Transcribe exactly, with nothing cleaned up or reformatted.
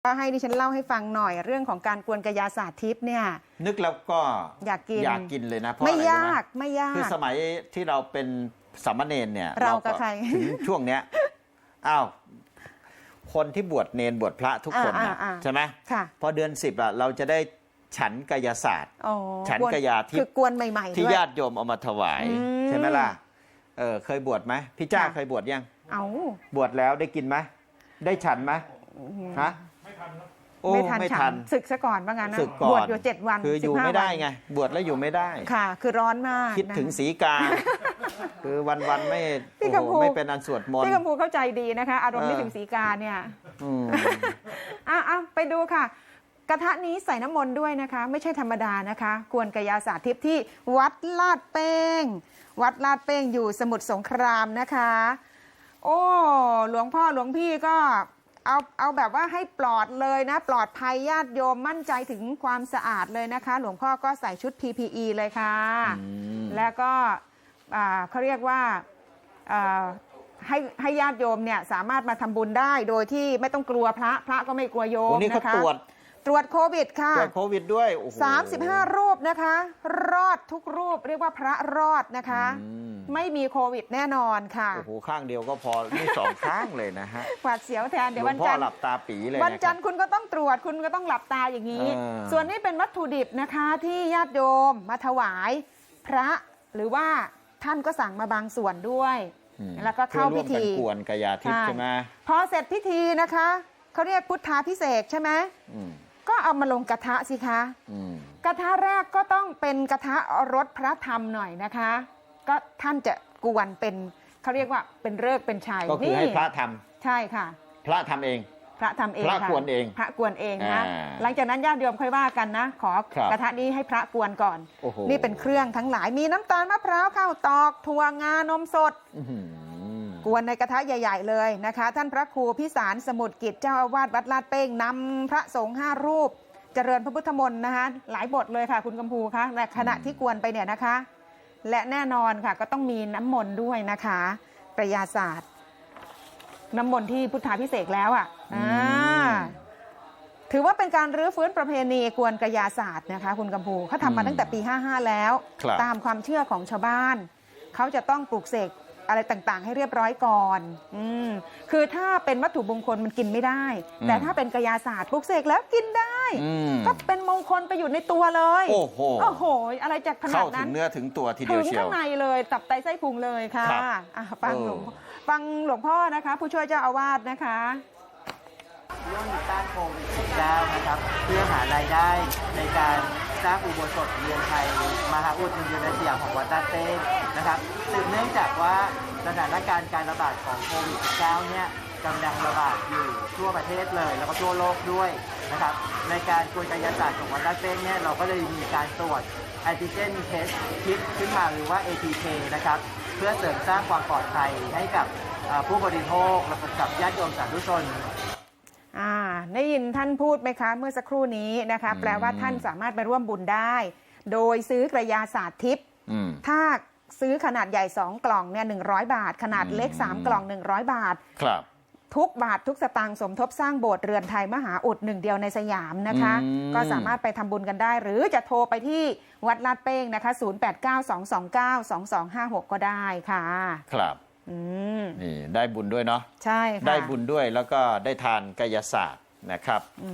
ก็ให้ดิฉันเล่าให้ฟังหน่อยเรื่องของการกวนกายศาสตร์ทิพย์เนี่ยนึกแล้วก็อยากกินอยากกินเลยนะเพราะไม่อะไรยากไม่ยากคือสมัยที่เราเป็นสามเณรเนี่ยเรากับใครถึงช่วงเนี้ยอ้าวคนที่บวชเนนบวชพระทุกคนนะใช่ไหมพอเดือนสิบอะเราจะได้ฉันกายศาสตร์ฉันกายาทิพย์คือกวนใหม่ๆที่ญาติโยมเอามาถวายใช่ไหมล่ะเออเคยบวชไหมพี่จ้าเคยบวชยังเอาบวชแล้วได้กินไหมได้ฉันไหมฮะโอ้ไม่ทันศึกซะก่อนว่างั้นนะบวชอยู่เจ็ดวันคืออยู่ไม่ได้ไงบวชแล้วอยู่ไม่ได้ค่ะคือร้อนมากคิดถึงสีกาคือวันๆไม่โอ้โหไม่เป็นอันสวดมนต์พี่กำพูเข้าใจดีนะคะอารมณ์นึกถึงสีกาเนี่ยอ่ะอ่ะไปดูค่ะกระทะนี้ใส่น้ำมนต์ด้วยนะคะไม่ใช่ธรรมดานะคะกวนกายศาสตร์ทิพย์ที่วัดลาดเป้งวัดลาดเป้งอยู่สมุทรสงครามนะคะโอ้หลวงพ่อหลวงพี่ก็เอาเอาแบบว่าให้ปลอดเลยนะปลอดภัยญาติโยมมั่นใจถึงความสะอาดเลยนะคะหลวงพ่อก็ใส่ชุด พี พี อี เลยค่ะแล้วก็เขาเรียกว่าให้ให้ญาติโยมเนี่ยสามารถมาทำบุญได้โดยที่ไม่ต้องกลัวพระพระก็ไม่กลัวโยมนะคะตรวจตรวจโควิดค่ะตรวจโควิดด้วยสามสิบห้ารูปนะคะรอดทุกรูปเรียกว่าพระรอดนะคะไม่มีโควิดแน่นอนค่ะโอ้โหข้างเดียวก็พอนี่สองข้างเลยนะฮะหวาดเสียวแทนเดี๋ยววันจันทร์หลับตาปีเลยวันจันทร์คุณก็ต้องตรวจคุณก็ต้องหลับตาอย่างนี้ส่วนนี้เป็นวัตถุดิบนะคะที่ญาติโยมมาถวายพระหรือว่าท่านก็สั่งมาบางส่วนด้วยแล้วก็เข้าพิธีกวนกายทิพย์ใช่ไหมพอเสร็จพิธีนะคะเขาเรียกพุทธาภิเษกใช่ไหมก็เอามาลงกระทะสิคะกระทะแรกก็ต้องเป็นกระทะรสพระธรรมหน่อยนะคะก็ท่านจะกวนเป็นเขาเรียกว่าเป็นฤกษ์เป็นชัยก็คือให้พระทำใช่ค่ะพระทำเองพระทำเองพระกวนเองพระกวนเองนะหลังจากนั้นญาติโยมค่อยว่ากันนะขอกระทะนี้ให้พระกวนก่อนนี่เป็นเครื่องทั้งหลายมีน้ำตาลมะพร้าวข้าวตอกถั่วงานมสดกวนในกระทะใหญ่ๆเลยนะคะท่านพระครูพิสารสมุทรกิจเจ้าอาวาสวัดลาดเป้งนำพระสงฆ์ห้ารูปเจริญพระพุทธมนต์นะคะหลายบทเลยค่ะคุณกำพูคะและขณะที่กวนไปเนี่ยนะคะและแน่นอนค่ะก็ต้องมีน้ำมนต์ด้วยนะคะกายศาสตร์น้ำมนต์ที่พุทธาภิเษกแล้วอ่ะถือว่าเป็นการรื้อฟื้นประเพณีกวนกายศาสตร์นะคะคุณกำพูเขาทำมาตั้งแต่ปีห้าห้าแล้วตามความเชื่อของชาวบ้านเขาจะต้องปลูกเสกอะไรต่างๆให้เรียบร้อยก่อนอืมคือถ้าเป็นวัตถุมงคลมันกินไม่ได้แต่ถ้าเป็นกายศาสตร์ปลูกเสกแล้วกินได้ก็เป็นมงคลไปอยู่ในตัวเลยโอ้โหโอ้โหอะไรจากขนาดนั้นเข้าถึงเนื้อถึงตัวทีเดียวเชียวถึงข้างในเลยตับไตไส้พุงเลยค่ะฟังหลวงฟังหลวงพ่อนะคะผู้ช่วยเจ้าอาวาสนะคะร่วมต้านโควิด สิบเก้า นะครับเพื่อหารายได้ในการสร้างอุโบสถเรียนไทยมหาอุดหนุนในสยามของวัดลาดเป้งนะครับสืบเนื่องจากว่าสถานการณ์การระบาดของโควิด สิบเก้า เนี่ยกำลังระบาดอยู่ทั่วประเทศเลยแล้วก็ทั่วโลกด้วยนะครับในการกวนกายศาสตร์ของวัดลาดเป้งเนี่ยเราก็เลยมีการตรวจแอนติเจนเทสคิดขึ้นมาหรือว่า เอ ที เค นะครับเพื่อเสริมสร้างความปลอดภัยให้กับผู้บริโภคและกับญาติโยมสาธุชนอ่าได้ยินท่านพูดไหมคะเมื่อสักครู่นี้นะคะแปลว่าท่านสามารถไปร่วมบุญได้โดยซื้อกระยาศาสตร์ทิพย์ถ้าซื้อขนาดใหญ่สองกล่องเนี่ยหนึ่งร้อยบาทขนาดเล็กสามกล่องหนึ่งร้อยบาทครับทุกบาททุกสตางค์สมทบสร้างโบสถ์เรือนไทยมหาอุดหนึ่งเดียวในสยามนะคะก็สามารถไปทำบุญกันได้หรือจะโทรไปที่วัดลาดเป้งนะคะศูนย์ แปด เก้า สอง สอง เก้า สอง สอง ห้า หกก็ได้ค่ะครับนี่ได้บุญด้วยเนาะใช่ค่ะได้บุญด้วยแล้วก็ได้ทานกายศาสตร์นะครับ